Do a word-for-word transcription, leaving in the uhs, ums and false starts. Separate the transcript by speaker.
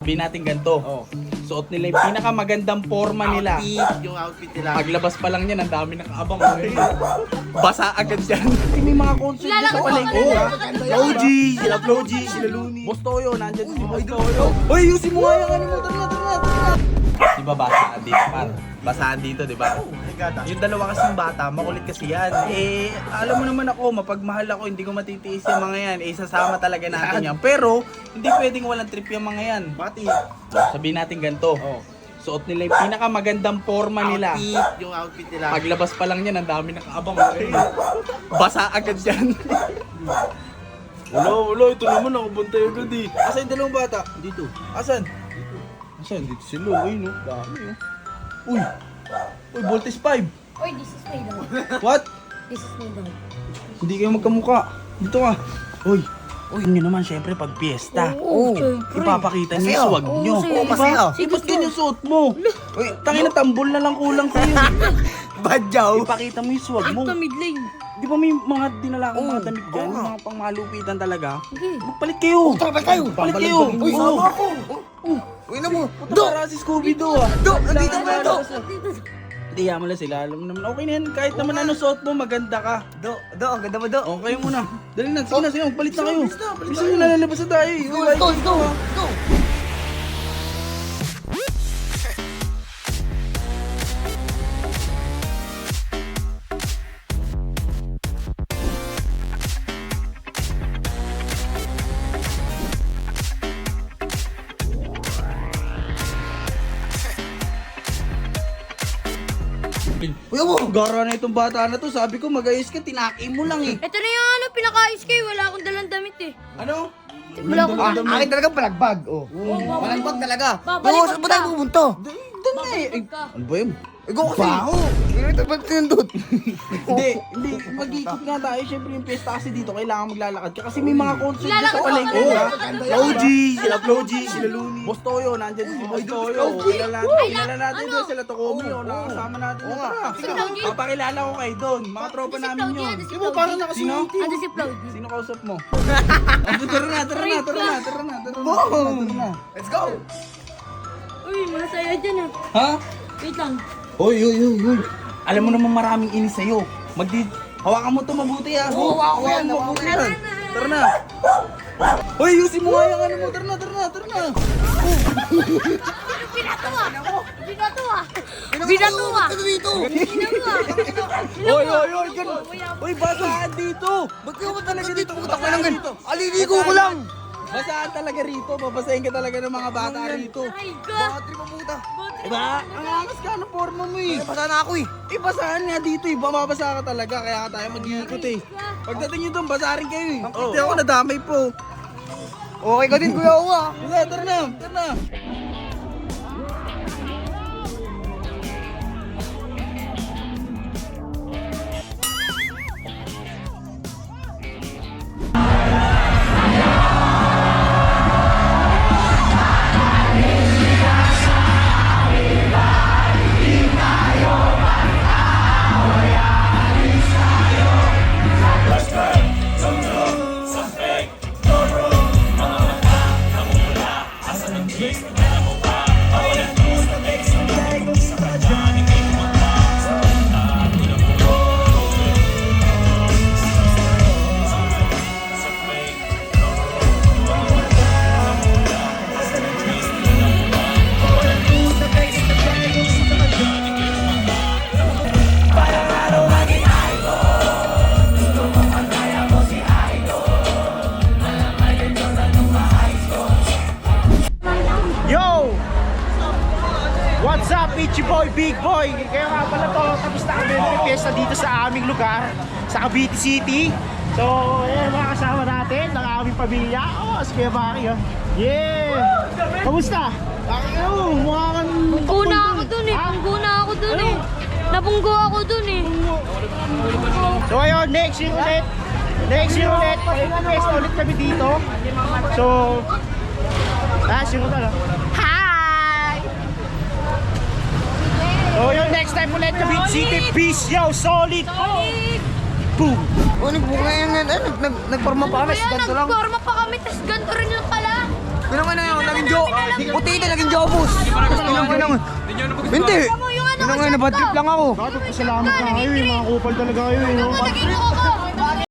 Speaker 1: Sabihin natin ganito.
Speaker 2: Oh.
Speaker 1: Suot nila yung pinakamagandang forma nila.
Speaker 2: Outfit, yung outfit nila.
Speaker 1: Paglabas pa lang yan, ang dami nakaabang. Basa agad yan. Kasi may mga concert dyan sa palengke.
Speaker 2: Oh,
Speaker 1: ha?
Speaker 2: Floji, sila Floji, sila Looney.
Speaker 1: Boss Toyo, nandyan si Boss Toyo. Uy, yusin mo nga yung ano mo. Tara na, tara na, tara na. Diba basaan dito, par? Basaan dito, diba? Yung dalawa kasing bata, makulit kasi yan. Eh, alam mo naman ako, mapagmahal ako, hindi ko matitiis yung mga yan. Eh, sasama talaga natin yan. Pero, hindi pwedeng walang trip yung mga yan.
Speaker 2: Pati.
Speaker 1: Sabihin natin ganito.
Speaker 2: Oh.
Speaker 1: Suot nila yung pinakamagandang forma nila.
Speaker 2: Outfit, yung outfit nila.
Speaker 1: Paglabas pa lang yan, ang dami nakaabang. Basa agad yan.
Speaker 3: Wala, wala. Ito naman ako bantay agad eh.
Speaker 1: Asan yung dalawang bata?
Speaker 2: Dito.
Speaker 1: Asan?
Speaker 3: Asan? Dito sila. Ay, no.
Speaker 1: Dami oh. Uy! Uy, Voltes five!
Speaker 4: Oy, this is my dog.
Speaker 1: What?
Speaker 4: This is my dog.
Speaker 1: Hindi kayo magkamukha. Dito ka. Uy! Uy, nyo naman syempre pag piyesta.
Speaker 4: Oo, syempre.
Speaker 1: Ipapakita niyo yung swag
Speaker 4: Oo,
Speaker 1: nyo.
Speaker 4: sa'yo.
Speaker 1: Oh,
Speaker 2: Masaya.
Speaker 1: Eh, ba't ganyan suot mo? Uy, tangin na tambol na lang kulang sa'yo.
Speaker 2: Badyaw.
Speaker 1: Ipakita mo yung swag mo.
Speaker 4: Ito, mid lane.
Speaker 1: Di ba may mga dinala kang mga damit dyan?
Speaker 2: oo nga.
Speaker 1: Mga pangmalupitan talaga?
Speaker 4: Sige.
Speaker 1: Magpalit kayo!
Speaker 2: Tara kayo.
Speaker 1: Palit kayo!
Speaker 2: Uy,
Speaker 1: Oo.
Speaker 2: sama ako. Uy na mo.
Speaker 1: Do! Para si Scooby-Doo ah!
Speaker 2: Do! Nandito ba ito?
Speaker 1: Hindi, yaman lang sila. Alam mo naman, okay na yan. Kahit naman ano suot mo, maganda ka.
Speaker 2: Do, do, ang ganda mo do.
Speaker 1: O, kayo muna. Dali na, sige na, sige na. Palit na kayo.
Speaker 2: Bilis na, palit
Speaker 1: Bisa
Speaker 2: na.
Speaker 1: nyo nalalabas na tayo eh.
Speaker 2: Go,
Speaker 1: Uy,
Speaker 2: go, go, go.
Speaker 1: Uy, ako, gara na itong bata na to. Sabi ko, mag-ayos ka, tinaki mo lang eh.
Speaker 4: Ito na yung ano, pinaka-ayos kayo. Wala akong dalang damit eh.
Speaker 1: Ano?
Speaker 4: Wala akong
Speaker 2: Ah,
Speaker 4: dalang damit.
Speaker 2: akin talaga palagbag. Oh.
Speaker 4: babalik.
Speaker 2: Palagbag talaga.
Speaker 4: Babalik
Speaker 2: Oo, saan ba tayo
Speaker 4: ka.
Speaker 2: pupunta?
Speaker 1: Doon na eh. Ay,
Speaker 4: ka.
Speaker 1: ano ba yun?
Speaker 2: Ikaw kasi. Baho. Ito ba't sinundot?
Speaker 1: Hindi, hindi. Mag-iikot nga tayo. Siyempre yung piyesta kasi dito, kailangan maglalakad ka. Kasi may mga concert dyan sa
Speaker 4: Lalakad
Speaker 1: palengke.
Speaker 4: ako,
Speaker 1: ha?
Speaker 4: lalakad ako.
Speaker 2: Floji, sila Floji, sila Looney.
Speaker 1: Boss Toyo, nandyan si Boss Toyo. Kilala natin, kilala natin doon sila Tokomi. O, nakasama natin na tara. Sige,
Speaker 4: Floji.
Speaker 1: papakilala ko kayo doon. Mga tropa
Speaker 4: Si
Speaker 1: namin
Speaker 4: Floji,
Speaker 1: yun.
Speaker 4: ano si
Speaker 1: Di ba,
Speaker 4: Floji?
Speaker 1: parang nakasunod.
Speaker 4: Ano si Floji?
Speaker 1: Sino kausap mo? Ano, tara na, tara na, tara na, tara na, tara na, tara na.
Speaker 2: Let's go.
Speaker 4: Uy, masaya dyan ah.
Speaker 1: Ha?
Speaker 4: Wait lang.
Speaker 1: Uy, uy, uy, uy. Alam mo naman maraming inis sa'yo. Magdi... Hawakan mo to mabuti ah.
Speaker 2: Oo, hawakan ko yan,
Speaker 1: mo
Speaker 2: hawakan
Speaker 1: mabuti
Speaker 2: ko yan.
Speaker 1: yan. Tara na. Uy, yusin mo nga yung ano mo. Tara na, tara na, tara na.
Speaker 4: Binato ah. Binato ah. Binato ah.
Speaker 2: Ano dito?
Speaker 4: Binato ah.
Speaker 1: Uy, uy, uy, ganun. Uy, basaan dito.
Speaker 2: Ba't ka ba talaga dito? Putak mo
Speaker 1: Basaan
Speaker 2: lang
Speaker 1: dito.
Speaker 2: gan. Aliligo ko lang.
Speaker 1: Basaan talaga rito. Babasahin ka talaga ng mga bata rito.
Speaker 4: Ay, ka.
Speaker 2: Bakit rin mabuta?
Speaker 1: Diba? Ang angas ka ng forma mo eh.
Speaker 2: Basta na ako eh.
Speaker 1: Eh, basahan nga dito eh. Bababasa ka talaga. Kaya ka tayo mag-iikot eh. Pagdating nyo doon, basarin kayo eh. Hindi ako nadamay po.
Speaker 2: Okay ka din, Kuya Uwa.
Speaker 1: Sige, tara na, tara na.
Speaker 5: Yo! What's up, Itchy Boy, Big Boy? Kaya nga pala to, tapos na kami ng fiesta dito sa aming lugar, sa Cavite City. So, ayan mga kasama natin, ng aming pamilya. Oh, si Kuya Baki, oh. Yeah! Kamusta? Baki, oh, mukha kang...
Speaker 4: Pungguna ako dun eh. Pungguna ako dun eh. Nabunggo ako dun eh.
Speaker 5: So ayun, next year ulit. Next year ulit, mag-fiesta ulit kami dito. So, last year ulit, oh. Hi! So yung next time ulit, Cavite City, peace, yo, solid!
Speaker 4: Solid!
Speaker 5: Boom!
Speaker 2: Oh, nagbuka yan yan. Nag, nag, nagporma pa kami.
Speaker 4: Kaya
Speaker 2: Ganito lang.
Speaker 4: nagporma pa kami, tas ganito rin lang pala.
Speaker 2: Ganun ka na yun, naging jo... Puti ka, naging jobus. Ganun ka na. Hindi. Ganun ka na, bad trip lang ako.
Speaker 5: Bakit? Salamat na kayo eh. Mga kupal talaga kayo eh. no?
Speaker 4: Naging ako.